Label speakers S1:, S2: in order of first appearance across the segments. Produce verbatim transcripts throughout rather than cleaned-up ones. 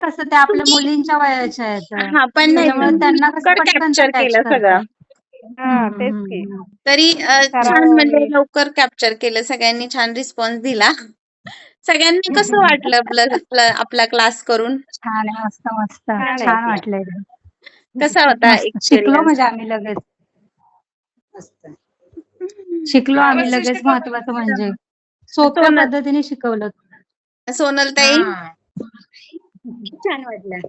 S1: कसं त्या आपल्या
S2: तुम्ही
S1: मुलींच्या वयाच्या आहेत.
S2: हां, पण नाही
S1: त्याच्यामुळे
S2: तुम्ही
S1: त्यांना कसं
S2: लवकर
S1: पटकन त्या
S2: कॅप्चर
S1: कॅच
S2: केलं
S1: करतात.
S2: सगळं.
S1: हं,
S3: हां,
S1: हं,
S3: तेच
S1: हं,
S3: की.
S1: हं.
S2: तरी अ, छान
S3: सराव
S2: म्हणजे
S3: आणि
S2: लवकर कॅप्चर केलं. सगळ्यांनी छान रिस्पॉन्स दिला. सगळ्यांना कसं वाटलं आपलं आपला आपला क्लास करून?
S1: छान आहे. मस्त, मस्त.
S3: छान आहे
S1: छान
S3: क्लास.
S1: वाटलं एकदम.
S2: कसा होता
S1: मस्त. शिकलो
S2: एक्सपिरियन्स?
S1: म्हणजे आम्ही लगेच. मस्त. शिकलो आम्ही
S4: व्यवस्थित
S1: लगेच
S4: शिकवलं
S1: महत्वाचं
S4: मॅडम.
S1: म्हणजे. सोप्या
S2: सोनल
S1: पद्धतीने शिकवलं.
S2: सोनलताई?
S4: हां.
S2: खूप छान वाटलं.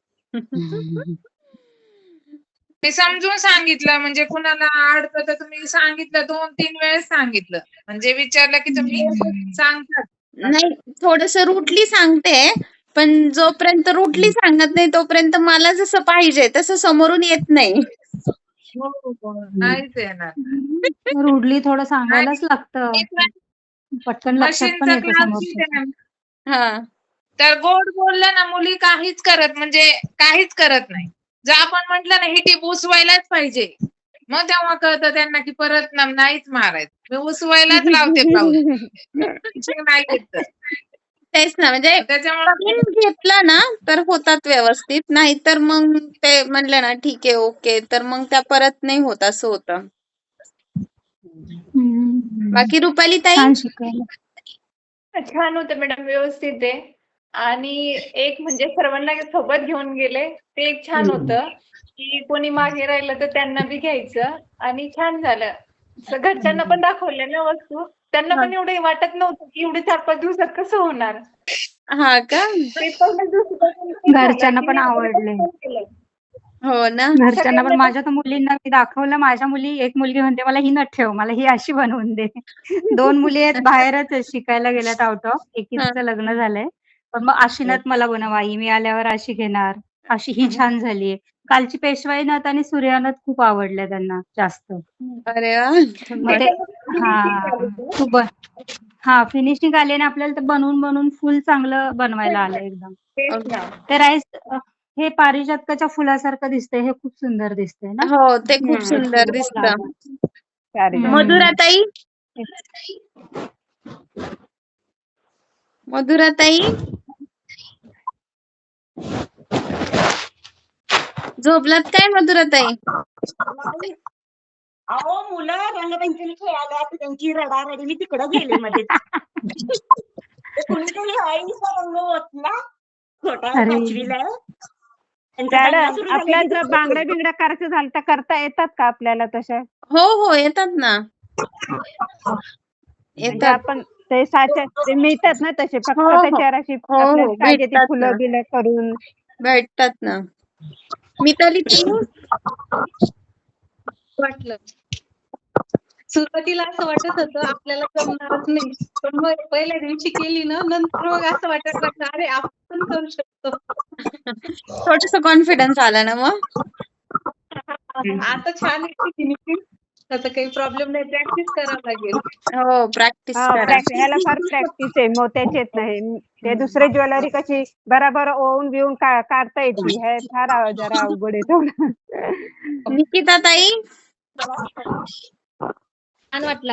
S4: ते समजून सांगितलं म्हणजे कुणाला अडतं तर तुम्ही सांगितलं दोन तीन वेळेस सांगितलं. म्हणजे विचारलं की तुम्ही सांगतात.
S2: नाही थोडंसं रूटली सांगते. पण जोपर्यंत रूटली सांगत नाही तोपर्यंत मला जसं पाहिजे तसं समोरून येत नाही.
S4: हो, हो. नाहीच येणार.
S1: रूडली थोडं
S4: आणि
S1: सांगायलाच लागतं. पटकन लक्षात पण
S4: मशीनचा
S1: येतं
S4: क्लास
S1: समोरच्याच्या.
S2: हां.
S4: तर गोड बोललं ना मुली काहीच करत म्हणजे काहीच करत नाही. जर आपण म्हटलं ना ही टीप उसवायलाच पाहिजे. मग तेव्हा कळतं त्यांना की परत ना नाहीच मारायचं. मी उसवायलाच लावते ब्लाउज. नाही येत तर.
S2: तेच ना म्हणजे
S4: त्याच्यामुळे
S2: करून घेतलं ना तर होतात व्यवस्थित. नाहीतर मग ते म्हणलं ना ठीक आहे, ओके. तर मग त्या परत नाही होत असं होतं.
S1: हं.
S2: बाकी रुपाली ताई?
S1: छान शिकवलं.
S5: छान होतं मॅडम, व्यवस्थित आहे. आणि एक म्हणजे सर्वांना सोबत घेऊन गेले ते एक छान होतं, की कोणी मागे राहिलं तर त्यांना बी घ्यायचं आणि छान झालं. स घरच्यांना पण दाखवल्या ना वस्तू. त्यांना
S2: हां.
S5: पण एवढं वाटत नव्हतं, की एवढे चार पाच दिवसात कसं होणार?
S2: हां का?
S5: ते पहिल्याच दिवशीपासून ते झालं,
S1: घरच्यांना
S5: की
S1: पण
S5: मी अगोदर
S1: आवडले.
S5: पण केलं.
S2: हो ना?
S1: घरच्यांना पण
S5: सगळ्यांना
S1: माझ्या तर मुलींना मी दाखवलं. माझ्या मुली एक मुलगी म्हणते मला ही नको ठेव. मला ही अशी बनवून दे. दोन मुली आहेत बाहेरच आहेत शिकायला गेल्यात आउट ऑफ.
S2: हां.
S1: एकीचं लग्न झालंय. पण मग अशी नथ मला बनव आई. मी आल्यावर अशी घेणार. अशी ही छान झालीये. कालची पेशवाई नथ आणि सूर्या नथ खूप आवडल्या त्यांना जास्त.
S2: अरे वाह!
S1: मग ते
S5: फिनिशिंग
S1: हां.
S5: झाली ते.
S1: तू बन हां, फिनिशिंग आली आणि आपल्याला ते बनवून बनवून फुल चांगलं बनवायला आलं एकदम.
S5: तेच ना.
S1: ते राईस अ, हे पारिजातकाच्या फुलासारखं दिसतंय. हे खूप सुंदर दिसतंय ना?
S2: हो, ते खूप
S3: हं.
S2: सुंदर दिसतं.
S1: फ्लॉवर.
S3: पारिजात.
S2: मधुराताई? मधुराताई? झोपलात काय मधुराताई?
S6: अहो मुलं रंगपंचमी खेळायला आता त्यांची रडारडी मी तिकडं गेले मध्येच. कुणीतरी आईचा रंग ओतला. छोटा
S1: अरे!
S6: पाचवीला आहे. त्यांचा दंगा
S3: मॅडम
S6: सुरू झाला
S3: आपल्या
S6: की
S3: जर
S6: दुसरं
S3: बांगड्या
S6: खेळतो.
S3: बिंगड्या करायचं झालं तर करता येतात का आपल्याला तशा?
S2: हो, हो. येतात ना.
S3: म्हणजे
S2: येतात.
S3: आपण ते साचे ते मिळतात ना तसे
S2: हो,
S3: फक्त
S2: हो.
S3: त्याच्यावर अशी
S2: हो,
S3: आपल्याला
S2: हो.
S3: पाहिजे ती
S2: भेटतात ना.
S3: फुलं-बिलं करून.
S2: भेटतात ना. मिताली ताई?
S7: वाटलं. सुरुवातीला असं वाटत होतं आपल्याला जमणारच नाही. पण मग पहिल्या दिवशी केली ना नंतर मग असं वाटायला लागलं अरे आपण पण करू शकतो.
S2: थोडंसं कॉन्फिडन्स आला ना मग?
S7: आता छान आहे फिनिशिंग. त्याचा काही प्रॉब्लेम नाही. प्रॅक्टिस करावं लागेल.
S2: हो, प्रॅक्टिस
S3: हां,
S2: करा.
S3: प्रॅक् ह्याला फार प्रॅक्टिस आहे मोत्याची आहेत ना हे. ते दुसरे ज्वेलरी कशी बराबर ओवून-बिवून का काढता येते. हे फार अव जरा अवघड आहे थोडं.
S2: निकिता ताई?
S7: छान वाटलं.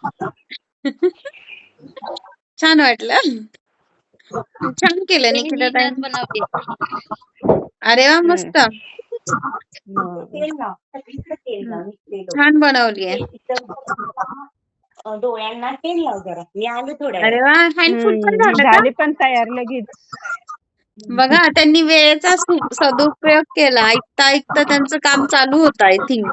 S2: छान वाटलं? छान केलं
S7: ते मी
S2: निकिता
S7: नथ
S2: ताईंनी.
S7: बनवली.
S2: अरे वाह!
S3: हं.
S2: मस्त.
S3: हो.
S6: तेल लाव. सगळीकडे तेल लाव. निघलेलं.
S2: छान बनवलीये.
S6: ते तिथं अ, डोळ्यांना तेल लाव जरा. मी आले थोड्या
S2: अरे
S6: वेळात.
S2: वाह! हँडफुल पण
S3: हं.
S2: झालं का?
S3: झाली पण तयार लगेच.
S2: बघा त्यांनी वेळेचा सु सदुपयोग केला. ऐकता ऐकता त्यांचं काम चालू होतं आय थिंक.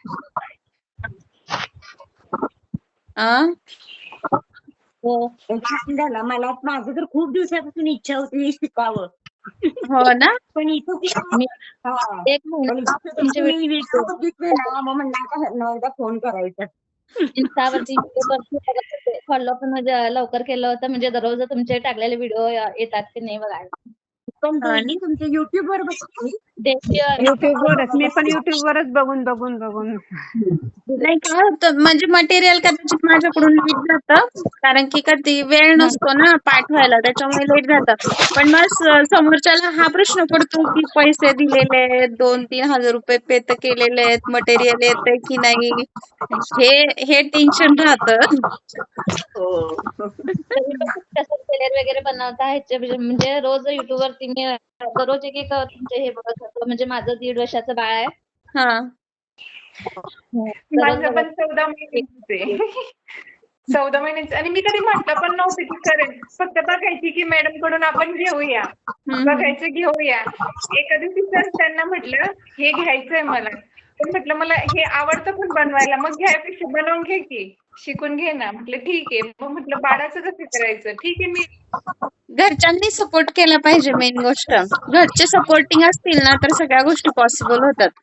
S2: आ?
S6: हो. छान झालं. मला माझं तर खूप दिवसापासून इच्छा होती हे शिकावं.
S2: हो ना?
S6: पण इथं ती
S7: मी
S6: हां.
S7: एक
S6: पण
S7: महिना
S6: इथं
S7: तुमचे
S6: तुम्ही व्हिडिओ बघितले ना मग म्हणलं आता ह्यांना एकदा फोन करायचा.
S7: Instaवरती व्हिडिओ बघत होते. फॉलो पण म्हणजे लवकर केलं होतं म्हणजे दररोज तुमचे टाकलेले व्हिडिओ येतात की नाही बघायला.
S6: पण
S2: हां
S6: डेली तुमच्या YouTubeवर बघते मी.
S7: डेली
S3: YouTubeवरच. मी पण YouTubeवरच बघून, बघून, बघून.
S2: नाही काय होतं म्हणजे मटेरियल कदाचित माझ्याकडून लेट जातं. कारण की कधी वेळ नसतो ना पाठवायला त्याच्यामुळे लेट जातं. पण मग स समोरच्याला हा प्रश्न पडतो की पैसे दिलेले आहेत, दोन तीन हजार रुपये पे तर केलेले आहेत, मटेरियल येतंय की नाही? हे हे टेन्शन राहतं.
S6: हो.
S7: कसं टेलर वगैरे बनवता ह्याचे म्हणजे म्हणजे रोज YouTubeवरती होती मी दररोज एक एक तुमचे हे बघत होतो. म्हणजे माझं दीड वर्षाचं बाळ आहे.
S2: हा
S7: दररोज
S5: माझं पण
S7: बघत
S5: चौदा महिन्याचे चौदा महिन्याचे आणि मी कधी म्हटलं पण नव्हतं की करेन. फक्त बघायची की मॅडम कडून आपण घेऊया.
S2: हम्म.
S5: बघायचं घेऊया. एका दिवशी सर त्यांना म्हटलं हे घ्यायचंय मला. पण म्हटलं मला हे आवडतं पण बनवायला. मग घ्यायपेक्षा बनवून घे की. शिकून घे ना. म्हटलं ठीक आहे. मग म्हटलं बाळाचं कसं करायचं? ठीक आहे मी
S2: घरच्यांनी सपोर्ट केला पाहिजे मेन गोष्ट. घरचे सपोर्टिंग असतील ना तर सगळ्या गोष्टी पॉसिबल होतात.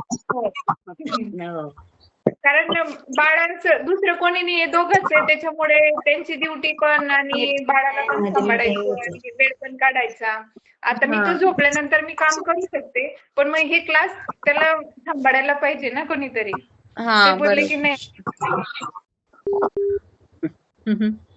S6: हो.
S5: कारण बाळाचं दुसरं कोणी नाही दोघंच आहे त्याच्यामुळे त्यांची ड्युटी पण आणि बाळाला पण सांभाळायचं आणि वेळ पण काढायचा. आता मी तर झोपल्यानंतर मी काम करू शकते पण मग हे क्लास त्याला सांभाळायला पाहिजे ना कोणीतरी.
S2: हा
S5: ते बोलले की
S2: बरोबर.
S5: नाही
S2: हम्म.